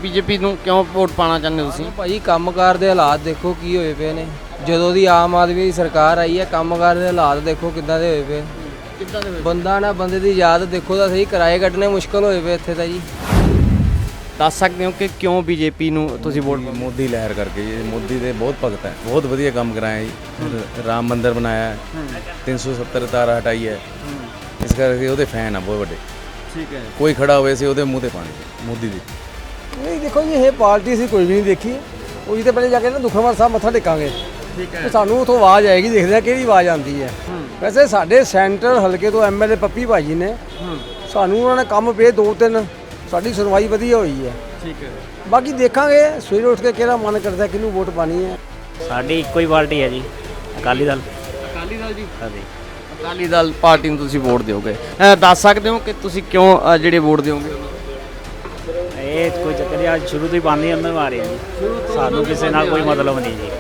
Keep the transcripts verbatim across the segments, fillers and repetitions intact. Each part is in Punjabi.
ਬੀਜੇਪੀ ਨੂੰ ਕਿਉਂ ਵੋਟ ਪਾਣਾ ਚਾਹੁੰਦੇ ਹੋ ਤੁਸੀਂ? ਭਾਜੀ ਕੰਮਕਾਰ ਦੇ ਹਾਲਾਤ ਦੇਖੋ ਕੀ ਹੋਏ ਪਏ ਨੇ। ਜਦੋਂ ਦੀ ਆਮ ਆਦਮੀ ਦੀ ਸਰਕਾਰ ਆਈ ਹੈ ਕੰਮਕਾਰ ਦੇ ਹਾਲਾਤ ਦੇਖੋ ਕਿੱਦਾਂ ਦੇ ਹੋਏ ਪਏ। ਕਿੱਦਾਂ ਦੇ ਬੰਦਾ ਨਾ ਬੰਦੇ ਦੀ ਯਾਦ ਦੇਖੋ ਤਾਂ ਸਹੀ, ਕਿਰਾਏ ਕੱਢਣੇ ਮੁਸ਼ਕਲ ਹੋਏ ਪਏ ਇੱਥੇ ਤਾਂ ਜੀ। ਦੱਸ ਸਕਦੇ ਹੋ ਕਿ ਕਿਉਂ ਬੀਜੇਪੀ ਨੂੰ ਤੁਸੀਂ ਵੋਟ? ਮੋਦੀ ਲਹਿਰ ਕਰਕੇ ਜੀ। ਮੋਦੀ ਦੇ ਬਹੁਤ ਭਗਤ ਹੈ, ਬਹੁਤ ਵਧੀਆ ਕੰਮ ਕਰਾਇਆ ਜੀ। ਰਾਮ ਮੰਦਿਰ ਬਣਾਇਆ ਹੈ, ਤਿੰਨ ਸੌ ਸੱਤਰ ਤਾਰਾ ਹਟਾਈ ਹੈ, ਇਸ ਕਰਕੇ ਉਹਦੇ ਫੈਨ ਆ ਬਹੁਤ ਵੱਡੇ। ਠੀਕ ਹੈ। ਕੋਈ ਖੜਾ ਹੋਵੇ ਸੀ ਉਹਦੇ ਮੂੰਹ ਤੇ ਪਾਣੀ ਮੋਦੀ ਦੀ। ਨਹੀਂ ਦੇਖੋ ਜੀ ਇਹ ਪਾਰਟੀ ਸੀ ਕੋਈ ਵੀ ਨਹੀਂ ਦੇਖੀ, ਉਹੀ ਤਾਂ ਪਹਿਲੇ ਜਾ ਕੇ ਨਾ ਦੁਖਨਿਵਾਰਨ ਸਾਹਿਬ ਮੱਥਾ ਟੇਕਾਂਗੇ। ਠੀਕ ਤੇ ਸਾਨੂੰ ਉਥੋਂ ਆਵਾਜ਼ ਆਏਗੀ, ਦੇਖਦੇ ਆ ਕਿਹੜੀ ਆਵਾਜ਼ ਆਉਂਦੀ ਹੈ। ਵੈਸੇ ਸਾਡੇ ਸੈਂਟਰ ਹਲਕੇ ਤੋਂ ਐਮਐਲਏ ਪੱਪੀ ਭਾਜੀ ਨੇ ਸਾਨੂੰ ਉਹਨਾਂ ਨੇ ਕੰਮ ਪਏ ਦੋ ਤਿੰਨ, ਸਾਡੀ ਸੁਣਵਾਈ ਵਧੀਆ ਹੋਈ ਹੈ। ਠੀਕ ਹੈ। ਬਾਕੀ ਦੇਖਾਂਗੇ ਸਵੇਰੇ ਉੱਠ ਕੇ ਕਿਹੜਾ ਮਨ ਕਰਦਾ ਕਿਹਨੂੰ ਵੋਟ ਪਾਣੀ ਹੈ। ਸਾਡੀ ਇੱਕੋ ਹੀ ਪਾਰਟੀ ਹੈ ਜੀ, ਅਕਾਲੀ ਦਲ। ਅਕਾਲੀ ਦਲ ਜੀ? ਹਾਂਜੀ। ਅਕਾਲੀ ਦਲ ਪਾਰਟੀ ਨੂੰ ਤੁਸੀਂ ਵੋਟ ਦਿਓਗੇ। ਅ, ਦੱਸ ਸਕਦੇ ਹੋ ਕਿ ਤੁਸੀਂ ਕਿਉਂ ਅ, ਜਿਹੜੇ ਵੋਟ ਦਿਓਗੇ? ਇਹ ਕੋਈ ਚੱਕਰ ਨਹੀਂ, ਅੱਜ ਸ਼ੁਰੂ ਤੋਂ ਹੀ ਪਾਣੀ ਅੰਦਰ ਮਾਰੇ ਆ ਜੀ, ਸਾਨੂੰ ਕਿਸੇ ਨਾਲ ਕੋਈ ਮਤਲਬ ਨਹੀਂ ਜੀ।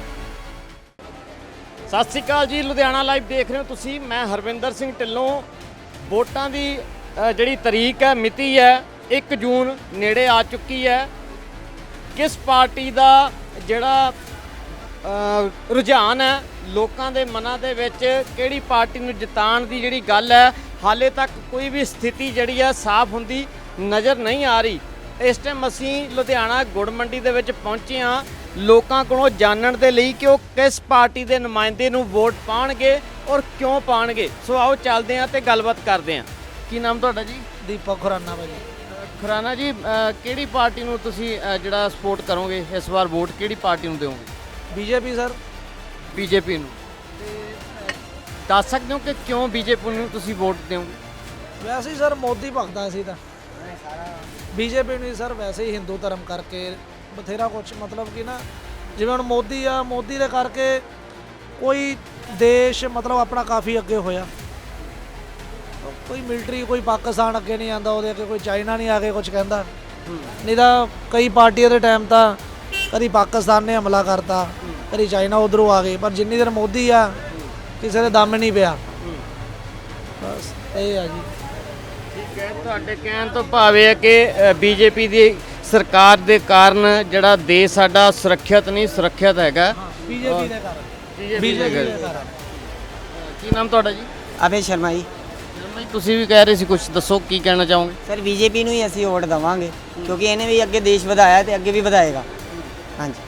ਸਤਿ ਸ਼੍ਰੀ ਅਕਾਲ ਜੀ, ਲੁਧਿਆਣਾ ਲਾਈਵ ਦੇਖ ਰਹੇ ਹੋ ਤੁਸੀਂ। ਮੈਂ ਹਰਵਿੰਦਰ ਸਿੰਘ ਢਿੱਲੋਂ। ਵੋਟਾਂ ਦੀ ਅ, ਜਿਹੜੀ ਤਰੀਕ ਹੈ, ਮਿਤੀ ਹੈ, ਇੱਕ ਜੂਨ ਨੇੜੇ ਆ ਚੁੱਕੀ ਹੈ। ਕਿਸ ਪਾਰਟੀ ਦਾ ਜਿਹੜਾ ਅ, ਰੁਝਾਨ ਹੈ ਲੋਕਾਂ ਦੇ ਮਨਾਂ ਦੇ ਵਿੱਚ, ਕਿਹੜੀ ਪਾਰਟੀ ਨੂੰ ਜਿਤਾਉਣ ਦੀ ਜਿਹੜੀ ਗੱਲ ਹੈ, ਹਾਲੇ ਤੱਕ ਕੋਈ ਵੀ ਸਥਿਤੀ ਜਿਹੜੀ ਹੈ ਸਾਫ਼ ਹੁੰਦੀ ਨਜ਼ਰ ਨਹੀਂ ਆ ਰਹੀ। ਇਸ ਟਾਈਮ ਅਸੀਂ ਲੁਧਿਆਣਾ ਗੁੜ ਮੰਡੀ ਦੇ ਵਿੱਚ ਪਹੁੰਚੇ ਹਾਂ ਲੋਕਾਂ ਕੋਲੋਂ ਜਾਣਨ ਦੇ ਲਈ ਕਿ ਉਹ ਕਿਸ ਪਾਰਟੀ ਦੇ ਨੁਮਾਇੰਦੇ ਨੂੰ ਵੋਟ ਪਾਉਣਗੇ ਔਰ ਕਿਉਂ ਪਾਉਣਗੇ। ਸੋ ਆਓ ਚੱਲਦੇ ਹਾਂ ਤੇ ਗੱਲਬਾਤ ਕਰਦੇ ਹਾਂ। ਕੀ ਨਾਮ ਤੁਹਾਡਾ ਜੀ? ਦੀਪਕ ਖੁਰਾਨਾ ਭਾਜੀ। ਖੁਰਾਨਾ ਜੀ, ਅ, ਕਿਹੜੀ ਪਾਰਟੀ ਨੂੰ ਤੁਸੀਂ ਅ, ਜਿਹੜਾ ਸਪੋਰਟ ਕਰੋਗੇ ਇਸ ਵਾਰ? ਵੋਟ ਕਿਹੜੀ ਪਾਰਟੀ ਨੂੰ ਦਿਓਗੇ? BJP sir. ਬੀਜੇਪੀ ਨੂੰ। ਦੱਸ ਸਕਦੇ ਹੋ ਕਿ ਕਿਉਂ ਬੀਜੇਪੀ ਨੂੰ ਤੁਸੀਂ ਵੋਟ ਦਿਓਗੇ? ਵੈਸੇ ਹੀ ਸਰ ਮੋਦੀ ਭਗਦਾ ਸੀ ਤਾਂ ਬੀਜੇਪੀ ਨੂੰ ਸਰ, ਵੈਸੇ ਹੀ ਹਿੰਦੂ ਧਰਮ ਕਰਕੇ ਬਥੇਰਾ ਕੁਛ, ਮਤਲਬ ਕਿ ਨਾ ਜਿਵੇਂ ਹੁਣ ਮੋਦੀ ਆ, ਮੋਦੀ ਦੇ ਕਰਕੇ ਕੋਈ ਦੇਸ਼ ਮਤਲਬ ਆਪਣਾ ਕਾਫੀ ਅੱਗੇ ਹੋਇਆ। ਕੋਈ ਮਿਲਟਰੀ, ਕੋਈ ਪਾਕਿਸਤਾਨ ਅੱਗੇ ਨਹੀਂ ਆਂਦਾ, ਉਹਦੇ ਅੱਗੇ ਕੋਈ ਚਾਈਨਾ ਨਹੀਂ ਆ ਕੇ ਕੁਝ ਕਹਿੰਦਾ। ਨਹੀਂ ਤਾਂ ਕਈ ਪਾਰਟੀਆਂ ਦੇ ਟਾਈਮ ਤਾਂ ਕਦੀ ਪਾਕਿਸਤਾਨ ਨੇ ਹਮਲਾ ਕਰਤਾ, ਕਦੀ ਚਾਈਨਾ ਉਧਰੋਂ ਆ ਗਏ, ਪਰ ਜਿੰਨੀ ਦੇਰ ਮੋਦੀ ਆ ਕਿਸੇ ਦੇ ਦਮ ਨਹੀਂ ਪਿਆ। ਬਸ ਇਹ ਆ ਜੀ। ਠੀਕ ਹੈ, ਤੁਹਾਡੇ ਕਹਿਣ ਤੋਂ ਭਾਵ ਇਹ ਹੈ ਕਿ ਬੀਜੇਪੀ ਦੀ ਸਰਕਾਰ ਦੇ ਕਾਰਨ ਜਿਹੜਾ ਦੇਸ਼ ਸਾਡਾ ਸੁਰੱਖਿਅਤ ਨਹੀਂ, ਸੁਰੱਖਿਅਤ ਹੈਗਾ ਬੀਜੇਪੀ ਦੇ ਕਾਰਨ। ਬੀਜੇਪੀ ਦੇ ਕਾਰਨ। ਕੀ ਨਾਮ ਤੁਹਾਡਾ ਜੀ? ਅਭੈ ਸ਼ਰਮਾ ਜੀ। ਭਾਈ ਤੁਸੀਂ ਵੀ ਕਹਿ ਰਹੇ ਸੀ ਕੁਝ, ਦੱਸੋ ਕੀ ਕਹਿਣਾ ਚਾਹੋਗੇ? ਸਰ ਬੀਜੇਪੀ ਨੂੰ ਹੀ ਅਸੀਂ ਵੋਟ ਦੇਵਾਂਗੇ ਕਿਉਂਕਿ ਇਹਨੇ ਵੀ ਅੱਗੇ ਦੇਸ਼ ਵਧਾਇਆ ਤੇ ਅੱਗੇ ਵੀ ਵਧਾਏਗਾ। ਹਾਂਜੀ।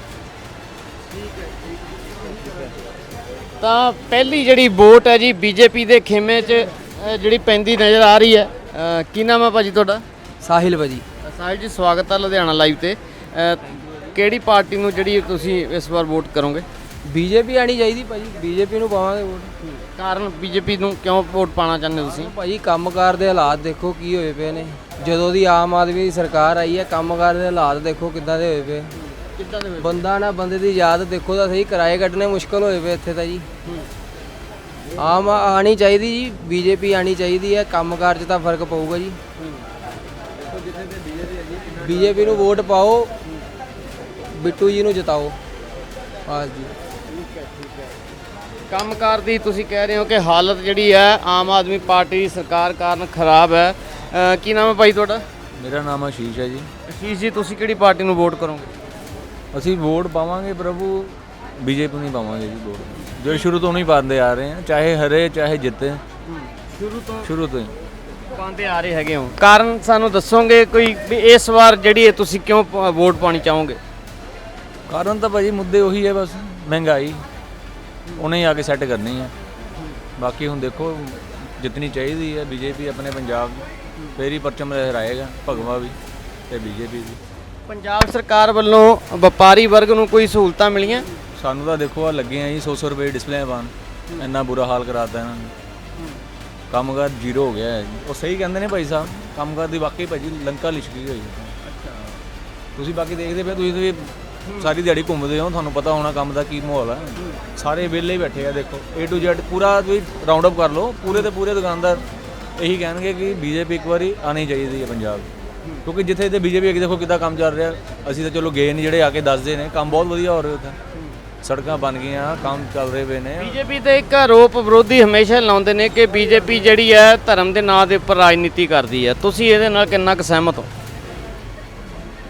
ਤਾਂ ਪਹਿਲੀ ਜਿਹੜੀ ਵੋਟ ਹੈ ਜੀ ਬੀਜੇਪੀ ਦੇ ਖੇਮੇ 'ਚ ਅ, ਜਿਹੜੀ ਪੈਂਦੀ ਨਜ਼ਰ ਆ ਰਹੀ ਹੈ। ਅ, ਕੀ ਨਾਮ ਹੈ ਭਾਜੀ ਤੁਹਾਡਾ? ਸਾਹਿਲ ਭਾਜੀ। ਸਾਹਿਲ ਜੀ, ਸਵਾਗਤ ਹੈ ਲੁਧਿਆਣਾ ਲਾਈਵ ਤੇ। ਅ, ਕਿਹੜੀ ਪਾਰਟੀ ਨੂੰ ਜਿਹੜੀ ਤੁਸੀਂ ਇਸ ਵਾਰ ਵੋਟ ਕਰੋਗੇ? ਬੀਜੇਪੀ ਆਣੀ ਚਾਹੀਦੀ ਭਾਜੀ, ਬੀਜੇਪੀ ਨੂੰ ਪਾਵਾਂਗੇ ਵੋਟ। ਕਾਰਨ ਬੀਜੇਪੀ ਨੂੰ ਕਿਉਂ ਵੋਟ ਪਾਣਾ ਚਾਹੁੰਦੇ ਹੋ ਤੁਸੀਂ? ਭਾਜੀ ਕੰਮਕਾਰ ਦੇ ਹਾਲਾਤ ਦੇਖੋ ਕੀ ਹੋਏ ਪਏ ਨੇ। ਜਦੋਂ ਦੀ ਆਮ ਆਦਮੀ ਦੀ ਸਰਕਾਰ ਆਈ ਹੈ ਕੰਮਕਾਰ ਦੇ ਹਾਲਾਤ ਦੇਖੋ ਕਿੱਦਾਂ ਦੇ ਹੋਏ ਪਏ। ਕਿੱਦਾਂ ਦੇ? ਬੰਦਾ ਨਾ ਬੰਦੇ ਦੀ ਯਾਦ ਦੇਖੋ ਤਾਂ ਸਹੀ, ਕਿਰਾਏ ਕੱਢਣੇ ਮੁਸ਼ਕਲ ਹੋਏ ਪਏ ਇੱਥੇ ਤਾਂ ਜੀ। ਆਮ ਆਣੀ ਚਾਹੀਦੀ ਜੀ, ਬੀਜੇਪੀ ਆਣੀ ਚਾਹੀਦੀ ਹੈ। ਕੰਮਕਾਰ 'ਚ ਤਾਂ ਫਰਕ ਪਊਗਾ ਜੀ। ਬੀਜੇਪੀ ਨੂੰ ਵੋਟ ਪਾਓ, ਬਿੱਟੂ ਜੀ ਨੂੰ ਜਿਤਾਓ। ਬਸ ਜੀ। ਕੰਮਕਾਰ ਦੀ ਤੁਸੀਂ ਕਹਿ ਰਹੇ ਹੋ ਕਿ ਹਾਲਤ ਜਿਹੜੀ ਹੈ ਆਮ ਆਦਮੀ ਪਾਰਟੀ ਦੀ ਸਰਕਾਰ ਕਾਰਨ ਖਰਾਬ ਹੈ। ਅ, ਕੀ ਨਾਮ ਹੈ ਭਾਈ ਤੁਹਾਡਾ? ਮੇਰਾ ਨਾਮ ਆਸ਼ੀਸ਼ ਹੈ ਜੀ। ਅਸ਼ੀਸ਼ ਜੀ, ਤੁਸੀਂ ਕਿਹੜੀ ਪਾਰਟੀ ਨੂੰ ਵੋਟ ਕਰੋਗੇ? ਅਸੀਂ ਵੋਟ ਪਾਵਾਂਗੇ ਪ੍ਰਭੂ, ਬੀਜੇਪੀ ਨੂੰ ਹੀ ਪਾਵਾਂਗੇ ਜੀ ਵੋਟ, ਜੋ ਸ਼ੁਰੂ ਤੋਂ ਨਹੀਂ ਪਾਉਂਦੇ ਆ ਰਹੇ ਹਾਂ, ਚਾਹੇ ਹਰੇ ਚਾਹੇ ਜਿੱਤੇ, ਸ਼ੁਰੂ ਤੋਂ ਸ਼ੁਰੂ ਤੋਂ ਹੀ ਪਾਉਂਦੇ ਆ ਰਹੇ ਹੈਗੇ ਹੋ। ਕਾਰਨ ਸਾਨੂੰ ਦੱਸੋਗੇ ਕੋਈ ਵੀ ਇਸ ਵਾਰ ਜਿਹੜੀ ਹੈ ਤੁਸੀਂ ਕਿਉਂ ਪ- ਵੋਟ ਪਾਣੀ ਚਾਹੋਗੇ? ਕਾਰਨ ਤਾਂ ਭਾਜੀ ਮੁੱਦੇ ਉਹੀ ਹੈ, ਬਸ ਮਹਿੰਗਾਈ ਉਹਨੇ ਹੀ ਆ ਕੇ ਸੈੱਟ ਕਰਨੀ ਹੈ। ਬਾਕੀ ਹੁਣ ਦੇਖੋ ਜਿੱਤਣੀ ਚਾਹੀਦੀ ਹੈ ਬੀਜੇਪੀ ਆਪਣੇ ਪੰਜਾਬ, ਫੇਰ ਹੀ ਪਰਚਮ ਲਹਿਰਾਏਗਾ ਭਗਵਾ ਵੀ ਤੇ ਬੀਜੇਪੀ ਵੀ। ਪੰਜਾਬ ਸਰਕਾਰ ਵੱਲੋਂ ਵਪਾਰੀ ਵਰਗ ਨੂੰ ਕੋਈ ਸਹੂਲਤਾਂ ਮਿਲੀਆਂ? ਸਾਨੂੰ ਤਾਂ ਦੇਖੋ ਆ ਲੱਗੇ ਆ ਜੀ ਸੌ ਸੌ ਰੁਪਏ ਡਿਸਪਲੇ ਪਾਉਣ, ਇੰਨਾ ਬੁਰਾ ਹਾਲ ਕਰਾਤਾ ਇਹਨਾਂ ਨੇ। ਕੰਮਕਾਰ ਜ਼ੀਰੋ ਹੋ ਗਿਆ ਹੈ ਜੀ। ਉਹ ਸਹੀ ਕਹਿੰਦੇ ਨੇ ਭਾਈ ਸਾਹਿਬ, ਕੰਮਕਾਰ ਦੀ ਵਾਕਈ ਭਾਜੀ ਲੰਕਾ ਲਿਸ਼ਕੀ ਹੋਈ ਹੈ। ਤੁਸੀਂ ਬਾਕੀ ਦੇਖਦੇ ਪਏ, ਤੁਸੀਂ ਵੀ ਸਾਰੀ ਦਿਹਾੜੀ ਘੁੰਮਦੇ ਹੋ, ਤੁਹਾਨੂੰ ਪਤਾ ਹੋਣਾ ਕੰਮ ਦਾ ਕੀ ਮਾਹੌਲ ਹੈ। ਸਾਰੇ ਵਿਹਲੇ ਬੈਠੇ ਆ, ਦੇਖੋ ਏ ਟੂ ਜ਼ੈਡ ਪੂਰਾ ਤੁਸੀਂ ਰਾਉਂਡ ਅਪ ਕਰ ਲਓ, ਪੂਰੇ ਤੇ ਪੂਰੇ ਦੁਕਾਨਦਾਰ ਇਹੀ ਕਹਿਣਗੇ ਕਿ ਬੀਜੇਪੀ ਇੱਕ ਵਾਰੀ ਆਉਣੀ ਚਾਹੀਦੀ ਹੈ ਪੰਜਾਬ, ਕਿਉਂਕਿ ਜਿੱਥੇ ਜਿੱਥੇ ਬੀਜੇਪੀ ਅੱਗੇ ਦੇਖੋ ਕਿੱਦਾਂ ਕੰਮ ਚੱਲ ਰਿਹਾ। ਅਸੀਂ ਤਾਂ ਚਲੋ ਗਏ ਨਹੀਂ, ਜਿਹੜੇ ਆ ਕੇ ਦੱਸਦੇ ਨੇ ਕੰਮ ਬਹੁਤ ਵਧੀਆ ਹੋ ਰਿਹਾ ਉੱਥੇ, ਸੜਕਾਂ ਬਣ ਗਈਆਂ, ਕੰਮ ਚੱਲ ਰਹੇ ਪਏ ਨੇ। ਬੀਜੇਪੀ ਤੇ ਇੱਕ ਆਰੋਪ ਵਿਰੋਧੀ ਹਮੇਸ਼ਾ ਲਾਉਂਦੇ ਨੇ ਕਿ ਬੀਜੇਪੀ ਜਿਹੜੀ ਹੈ ਧਰਮ ਦੇ ਨਾਂ ਦੇ ਉੱਪਰ ਰਾਜਨੀਤੀ ਕਰਦੀ ਹੈ। ਤੁਸੀਂ ਇਹਦੇ ਨਾਲ ਕਿੰਨਾ ਕੁ ਸਹਿਮਤ ਹੋ?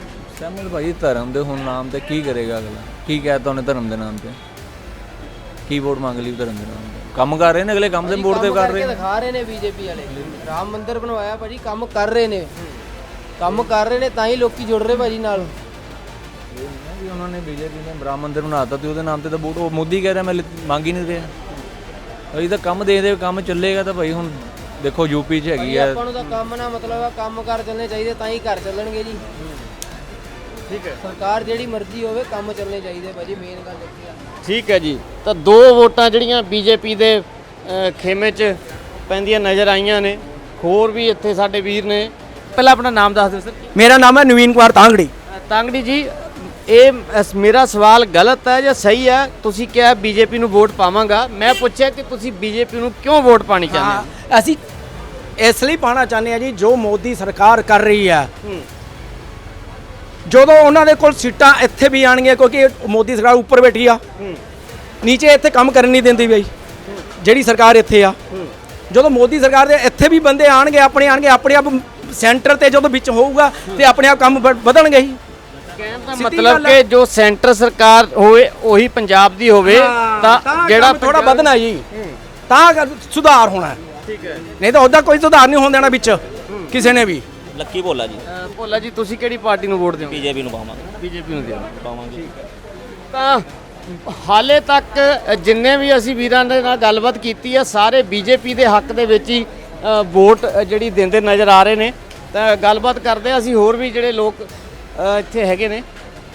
ਸਹਿਮਤ ਭਾਜੀ ਧਰਮ ਦੇ ਹੁਣ ਨਾਮ ਤੇ ਕੀ ਕਰੇਗਾ ਅਗਲਾ? ਕੀ ਕਹਿਤਾ ਉਹਨੇ ਧਰਮ ਦੇ ਨਾਮ ਤੇ? ਕੀ ਵੋਟ ਮੰਗ ਲਈ ਧਰਮ ਦੇ ਨਾਮ ਤੇ? ਕੰਮ ਕਰ ਰਹੇ ਨੇ ਅਗਲੇ, ਕੰਮ ਦੇ ਵੋਟ ਤੇ ਕਰ ਰਹੇ ਨੇ। ਦਿਖਾ ਰਹੇ ਨੇ ਬੀਜੇਪੀ ਵਾਲੇ ਰਾਮ ਮੰਦਿਰ ਬਣਵਾਇਆ ਭਾਜੀ, ਕੰਮ ਕਰ ਰਹੇ ਨੇ, ਕੰਮ ਕਰ ਰਹੇ ਨੇ ਤਾਂ ਹੀ ਲੋਕੀ ਜੁੜ ਰਹੇ ਭਾਜੀ ਨਾਲ। ਇਹ ਨਹੀਂ ਨਾ ਵੀ ਉਹਨਾਂ ਨੇ ਬੀਜੇਪੀ ਨੇ ਰਾਮ ਮੰਦਿਰ ਬਣਾਤਾ ਤੇ ਉਹਦੇ ਨਾਮ ਤੇ ਤਾਂ ਵੋਟ ਉਹ ਮੋਦੀ ਕਹਿ ਰਿਹਾ ਮੈਂ ਲਿ- ਮੰਗ ਹੀ ਨਹੀਂ ਰਿਹਾ। ਅਸੀਂ ਤਾਂ ਕੰਮ ਦੇ ਦੇ ਕੰਮ ਚੱਲੇਗਾ ਤਾਂ ਭਾਈ ਹੁਣ ਦੇਖੋ ਯੂਪੀ 'ਚ ਹੈਗੀ ਆ। ਆਪਾਂ ਨੂੰ ਤਾਂ ਕੰਮ ਨਾ ਮਤਲਬ ਆ, ਕੰਮ ਕਰ ਚੱਲਣੇ ਚਾਹੀਦੇ ਤਾਂ ਹੀ ਘਰ ਚੱਲਣਗੇ ਜੀ। ਠੀਕ ਹੈ, ਸਰਕਾਰ ਜਿਹੜੀ ਮਰਜ਼ੀ ਹੋਵੇ ਕੰਮ ਚੱਲਣੇ ਚਾਹੀਦੇ ਭਾਜੀ, ਮੇਨ ਗੱਲ ਇਹ ਆ। ਠੀਕ ਹੈ ਜੀ। ਤਾਂ ਦੋ ਵੋਟਾਂ ਜਿਹੜੀਆਂ ਬੀਜੇਪੀ ਦੇ ਅ, ਖੇਮੇ 'ਚ ਪੈਂਦੀਆਂ ਨਜ਼ਰ ਆਈਆਂ ਨੇ। ਹੋਰ ਵੀ ਇੱਥੇ ਸਾਡੇ ਵੀਰ ਨੇ। ਪਹਿਲਾਂ ਆਪਣਾ ਨਾਮ ਦੱਸ ਦਿਓ ਸਰ। ਮੇਰਾ ਨਾਮ ਹੈ ਨਵੀਨ ਕੁਮਾਰ ਤਾਂਗੜੀ। ਤਾਂਗੜੀ ਜੀ, ਇਹ ਅਸ- ਮੇਰਾ ਸਵਾਲ ਗਲਤ ਹੈ ਜਾਂ ਸਹੀ ਹੈ? ਤੁਸੀਂ ਕਿਹਾ ਬੀਜੇਪੀ ਨੂੰ ਵੋਟ ਪਾਵਾਂਗਾ, ਮੈਂ ਪੁੱਛਿਆ ਕਿ ਤੁਸੀਂ ਬੀਜੇਪੀ ਨੂੰ ਕਿਉਂ ਵੋਟ ਪਾਣੀ ਚਾਹੁੰਦੇ ਹੋ? ਹਾਂ, ਅਸੀਂ ਇਸ ਲਈ ਪਾਣਾ ਚਾਹੁੰਦੇ ਹਾਂ ਜੀ, ਜੋ ਮੋਦੀ ਸਰਕਾਰ ਕਰ ਰਹੀ ਹੈ, ਹੂੰ। ਜਦੋਂ ਉਹਨਾਂ ਦੇ ਕੋਲ ਸੀਟਾਂ ਇੱਥੇ ਵੀ ਆਣਗੀਆਂ, ਕਿਉਂਕਿ ਮੋਦੀ ਸਰਕਾਰ ਉੱਪਰ ਬੈਠੀ ਆ, ਹੂੰ। ਨੀਚੇ ਇੱਥੇ ਕੰਮ ਕਰਨ ਨਹੀਂ ਦਿੰਦੀ ਬਈ ਜਿਹੜੀ ਸਰਕਾਰ ਇੱਥੇ ਆ। ਜਦੋਂ ਮੋਦੀ ਸਰਕਾਰ ਦੇ ਇੱਥੇ ਵੀ ਬੰਦੇ ਆਣਗੇ, ਆਪਣੇ ਆਣਗੇ, ਆਪਣੇ ਆਪ ਸੈਂਟਰ ਤੇ ਜਦੋਂ ਵਿੱਚ ਹੋਊਗਾ ਤੇ ਆਪਣੇ ਆਪ ਕੰਮ ਵ- ਵਧਣਗੇ ਹੀ। ਕਹਿਣ ਦਾ ਸਿੱਧੀ ਮਤਲਬ ਗੱਲ ਹੈ। ਕਿ ਜੋ ਸੈਂਟਰ ਸਰਕਾਰ ਹੋਵੇ ਉਹੀ ਪੰਜਾਬ ਦੀ ਹੋਵੇ ਤਾਂ ਜਿਹੜਾ ਥੋੜਾ ਵਧਣਾ ਜੀ, ਤਾਂ ਕਰ- ਸੁਧਾਰ ਹੋਣਾ। ਠੀਕ ਹੈ। ਨਹੀਂ ਤਾਂ ਉਹਦਾ ਕੋਈ ਸੁਧਾਰ ਨਹੀਂ ਹੋਣ ਦੇਣਾ ਵਿੱਚ ਕਿਸੇ ਨੇ ਵੀ। ਲੱਕੀ ਭੋਲਾ ਜੀ, ਭੋਲਾ ਜੀ, ਤੁਸੀਂ ਕਿਹੜੀ ਪਾਰਟੀ ਨੂੰ ਵੋਟ ਦਿਓਗੇ? ਬੀਜੇਪੀ ਨੂੰ ਪਾਵਾਂਗੇ ਬੀਜੇਪੀ ਨੂੰ ਦਿਓਗੇ। ਪਾਵਾਂਗੇ ਤਾਂ ਹਾਲੇ ਤੱਕ ਜਿੰਨੇ ਵੀ ਅਸੀਂ ਵੀਰਾਂ ਦੇ ਨਾਲ ਗੱਲਬਾਤ ਕੀਤੀ ਹੈ, ਸਾਰੇ ਬੀਜੇਪੀ ਦੇ ਹੱਕ ਦੇ ਵਿੱਚ ਹੀ ਅ, ਵੋਟ ਅ, ਜਿਹੜੀ ਦਿੰਦੇ ਨਜ਼ਰ ਆ ਰਹੇ ਨੇ। ਤਾਂ ਗੱਲਬਾਤ ਕਰਦੇ ਹਾਂ ਅਸੀਂ ਹੋਰ ਵੀ ਜਿਹੜੇ ਲੋਕ ਅ, ਇੱਥੇ ਹੈਗੇ ਨੇ।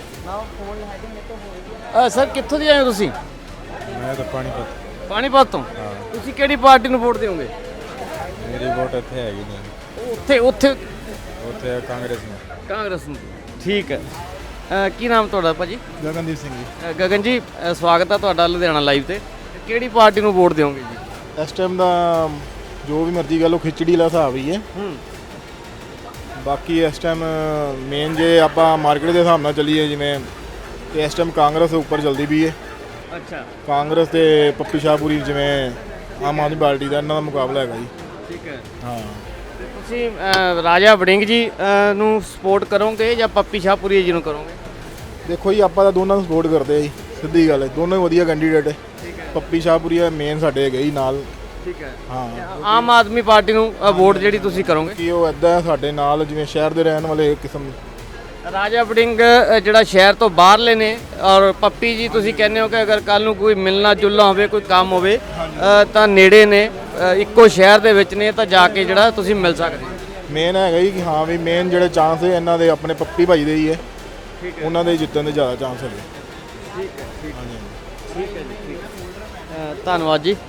ਅ, ਸਰ ਕਿੱਥੋਂ ਦੀ ਆਏ ਹੋ ਤੁਸੀਂ? ਮੈਂ ਤਾਂ ਪਾਣੀਪਤ। ਪਾਣੀਪਤ ਤੋਂ। ਤੁਸੀਂ ਕਿਹੜੀ ਪਾਰਟੀ ਨੂੰ ਵੋਟ ਦਿਓਗੇ? ਮੇਰੀ ਵੋਟ ਇੱਥੇ ਹੈਗੀ ਨਹੀਂ, ਉੱਥੇ ਉੱਥੇ ਉੱਥੇ ਕਾਂਗਰਸ ਨੂੰ। ਕਾਂਗਰਸ ਨੂੰ। ਠੀਕ ਹੈ। ਅ, ਕੀ ਨਾਮ ਤੁਹਾਡਾ ਭਾਜੀ? ਗਗਨਦੀਪ ਸਿੰਘ ਜੀ। ਅ, ਗਗਨ ਜੀ, ਅ, ਸਵਾਗਤ ਹੈ ਤੁਹਾਡਾ ਲੁਧਿਆਣਾ ਲਾਈਵ ਤੇ। ਕਿਹੜੀ ਪਾਰਟੀ ਨੂੰ ਵੋਟ ਦਿਓਗੇ ਜੀ? ਇਸ ਟਾਈਮ ਦਾ ਜੋ ਵੀ ਮਰਜ਼ੀ ਗੱਲ ਉਹ ਖਿਚੜੀ ਵਾਲਾ ਹਿਸਾਬ ਹੀ ਹੈ। ਹੂੰ। ਬਾਕੀ ਇਸ ਟਾਈਮ ਮੇਨ ਜੇ ਆਪਾਂ ਮਾਰਕੀਟ ਦੇ ਹਿਸਾਬ ਨਾਲ ਚੱਲੀਏ, ਜਿਵੇਂ ਤੇ ਇਸ ਟਾਈਮ ਕਾਂਗਰਸ ਉੱਪਰ ਚੱਲਦੀ ਵੀ ਹੈ। ਅੱਛਾ। ਕਾਂਗਰਸ ਤੇ ਪੱਪੀ ਸ਼ਾਹਪੁਰੀ, ਜਿਵੇਂ ਆਮ ਆਦਮੀ ਪਾਰਟੀ ਦਾ ਇਹਨਾਂ ਦਾ ਮੁਕਾਬਲਾ ਹੈਗਾ ਜੀ। ਠੀਕ ਹੈ। ਹਾਂ, ਤੇ ਤੁਸੀਂ ਅ, ਰਾਜਾ ਵੜਿੰਗ ਜੀ ਅ, ਨੂੰ ਸਪੋਰਟ ਕਰੋਗੇ ਜਾਂ ਪੱਪੀ ਸ਼ਾਹਪੁਰੀ ਜੀ ਨੂੰ ਕਰੋਗੇ? ਦੇਖੋ ਜੀ ਆਪਾਂ ਤਾਂ ਦੋਨਾਂ ਨੂੰ ਸਪੋਰਟ ਕਰਦੇ ਆ ਜੀ, ਸਿੱਧੀ ਗੱਲ ਹੈ, ਦੋਨੋਂ ਹੀ ਵਧੀਆ ਕੈਂਡੀਡੇਟ ਹੈ। ਪੱਪੀ ਸ਼ਾਹਪੁਰੀ ਮੇਨ ਸਾਡੇ ਹੈਗੇ ਜੀ ਨਾਲ। ਠੀਕ ਹੈ। ਹਾਂ, ਆਮ ਆਦਮੀ ਪਾਰਟੀ ਨੂੰ ਅ, ਵੋਟ ਜਿਹੜੀ ਤੁਸੀਂ ਕਰੋਗੇ? ਕਿ ਉਹ ਇੱਦਾਂ ਹੈ ਸਾਡੇ ਨਾਲ, ਜਿਵੇਂ ਸ਼ਹਿਰ ਦੇ ਰਹਿਣ ਵਾਲੇ ਕਿਸਮ। ਰਾਜਾ ਵੜਿੰਗ ਅ, ਜਿਹੜਾ ਸ਼ਹਿਰ ਤੋਂ ਬਾਹਰਲੇ ਨੇ, ਔਰ ਪੱਪੀ ਜੀ ਤੁਸੀਂ ਕਹਿੰਦੇ ਹੋ ਕਿ ਅਗਰ ਕੱਲ ਨੂੰ ਕੋਈ ਮਿਲਣਾ ਜੁਲਣਾ ਹੋਵੇ, ਕੋਈ ਕੰਮ ਹੋਵੇ ਅ, ਤਾਂ ਨੇੜੇ ਨੇ, ਅ, ਇੱਕੋ ਸ਼ਹਿਰ ਦੇ ਵਿੱਚ ਨੇ, ਤਾਂ ਜਾ ਕੇ ਜਿਹੜਾ ਤੁਸੀਂ ਮਿਲ ਸਕਦੇ ਹੋ। ਮੇਨ ਹੈਗਾ ਜੀ ਕਿ ਹਾਂ ਵੀ ਮੇਨ ਜਿਹੜੇ ਚਾਂਸ ਹੈ ਇਹਨਾਂ ਦੇ ਆਪਣੇ ਪੱਪੀ ਭਾਈ ਦੇ ਹੀ ਹੈ, ਉਹਨਾਂ ਦੇ ਜਿੱਤਣ ਦੇ ਜ਼ਿਆਦਾ ਚਾਂਸ ਹੈਗੇ। ਠੀਕ ਹੈ। ਠੀਕ ਹੈ ਜੀ। ਠੀਕ ਹੈ। ਅ, ਧੰਨਵਾਦ ਜੀ।